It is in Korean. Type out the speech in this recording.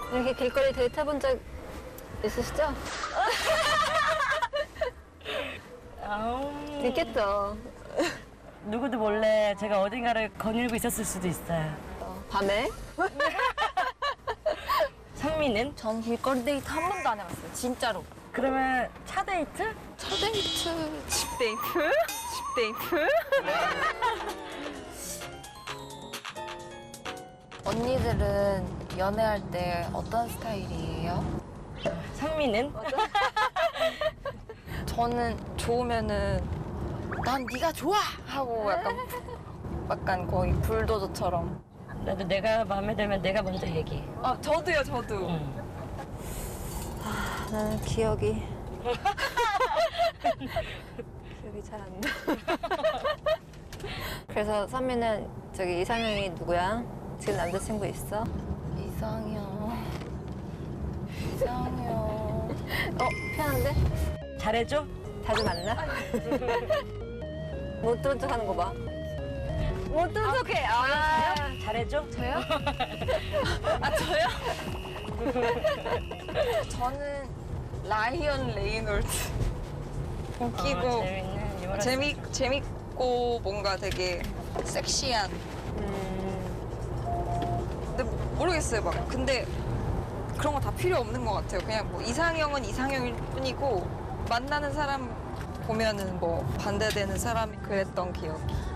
이렇게 길거리 데이트 해본 적 있으시죠? 있겠죠. 누구도 몰래 제가 어딘가를 거닐고 있었을 수도 있어요. 밤에? 상미는? 전 길거리 데이트 한 번도 안 해봤어요. 진짜로. 그러면 차 데이트? 첫 데이트, 집 데이트? 집 데이트? 언니들은 연애할 때 어떤 스타일이에요? 상미는? 저는 좋으면은 난 네가 좋아 하고 약간 거의 불도저처럼. 나도 내가 마음에 들면 내가 먼저 얘기해. 아 저도요 저도. 응. 나는 기억이 잘 안 나. 그래서 선미는 저기 이상형이 누구야? 지금 남자친구 있어? 이상형. 편한데? 잘해줘? 자주 만나? 못 들은 척 하는 거 봐. 못 들은 척해. 잘해줘? 저요? 아 저요? 저는 라이언 레이놀드. 웃기고 재밌는 유머러스. 재밌고 뭔가 되게 섹시한. 근데 모르겠어요 막. 근데 그런 거 다 필요 없는 것 같아요. 그냥 뭐 이상형은 이상형일 뿐이고 만나는 사람 보면은 뭐 반대되는 사람이 그랬던 기억이.